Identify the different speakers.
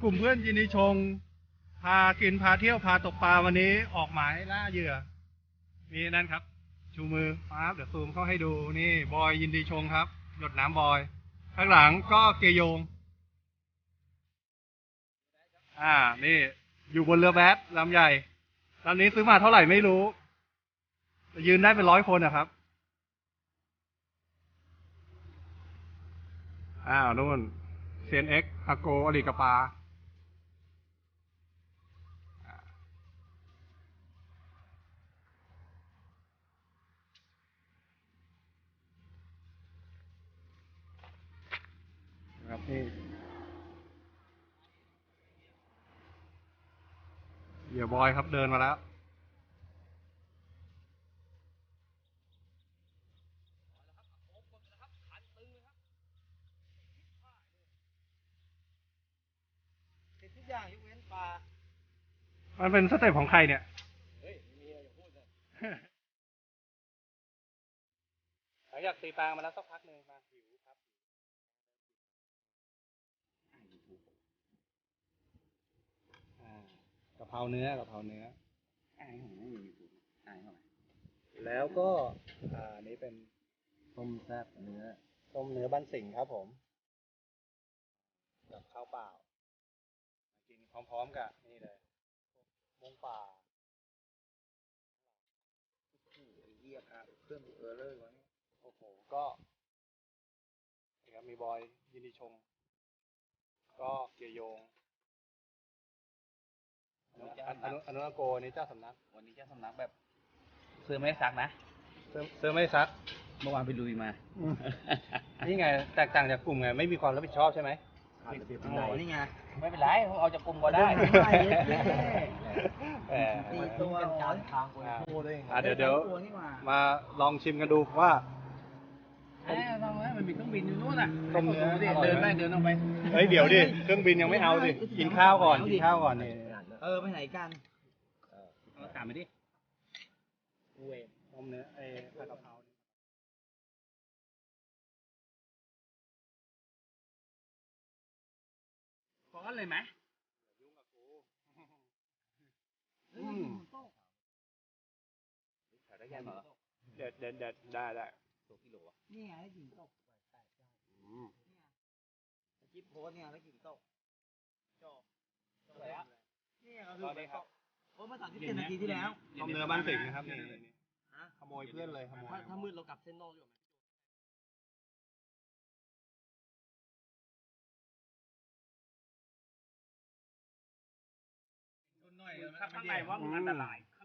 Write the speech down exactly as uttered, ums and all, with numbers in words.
Speaker 1: กลุ่มเพื่อนยินดีชงพากินพาเที่ยวพาตกปลาวันนี้ออกหมายล่าเหยื่อมีนั่นครับชูมือปั๊บเดี๋ยวซูมเข้าให้ดูนี่บอยยินดีชงครับหยดน้ำบอยข้างหลังก็เกยโยงอ่านี่อยู่บนเรือแบดลำใหญ่ลำนี้ซื้อมาเท่าไหร่ไม่รู้ยืนได้เป็นร้อยคนนะครับอ้าวนู่น ซี เอ็น เอ็กซ์ อาโกอลีกปาครับนี่เหยื่อบอยครับเดินมาแล้วทุกอย่างยกเว้นปลามันเป็นสเต็ปของใครเนี่ยเฮ้ยมีอะไรอย่าพูดเลยหลังจากตีปลามาแล้วสักพักหนึ่งมาหิวครับกะเพราเนื้อกะเพราเนื้อแล้วก็อ่านี้เป็นต้มแซ่บเนื้อต้มเนื้อบ้านสิงห์ครับผมกับข้าวเปล่ากินพร้อมๆกับนี่เลยมงป่าเยี่ยมครับเครื่องเออเลอร์วะเนี่ยโอ้โหก็มีบอยยินดีชงก็เกียร์โยงอนุอนุโกนี่เจ้าสำนักวันนี้เจ้าสำนักแบบเสื้อไม่ซักนะเสื้อเสื้อไม่ซักเมื่อวานไปลุยมานี่ไงแตกต่างจากกลุ่มไงไม่มีความรับผิดชอบใช่ไหมนี่ไงไม่เป็นไรเอาจากกลุ่มก็ได้ตีตัวการทางกูเลยเดี๋ยวเดี๋ยวมาลองชิมกันดูว่าเอ้ยลองมันมีเครื่องบินอยู่นู่นน่ะต้มเนื้อเดินไปเดินออกไปเฮ้ยเดี๋ยวดิเครื่องบินยังไม่เอาดิกินข้าวก่อนกินข้าวก่อนนี่เออไปไหนกันเอาตามไปดิเวต้มเนื้อไอ้ผัดกะเพราพอกันเลยไหมยุ่งกับกูอืมถ่ายได้ยังเหรอเด็ดเด็ดเด็ดได้ได้ตัวกิโลอ่ะนี่ไงกิ่งตกแปดเก้าจิ๊บโพสเนี่ยแล้วกิ่งตกจบจบแล้วนี่ก็คือไปครับโอ้มาสามสิบเจ็ดนาทีที่แล้วต้มเนื้อบ้านสิงห์นะครับนี่ขโมยเพื่อนเลยขโมยถ้ามืดเรากลับเส้นนอกอยู่ข้างในว่ามันอันตราย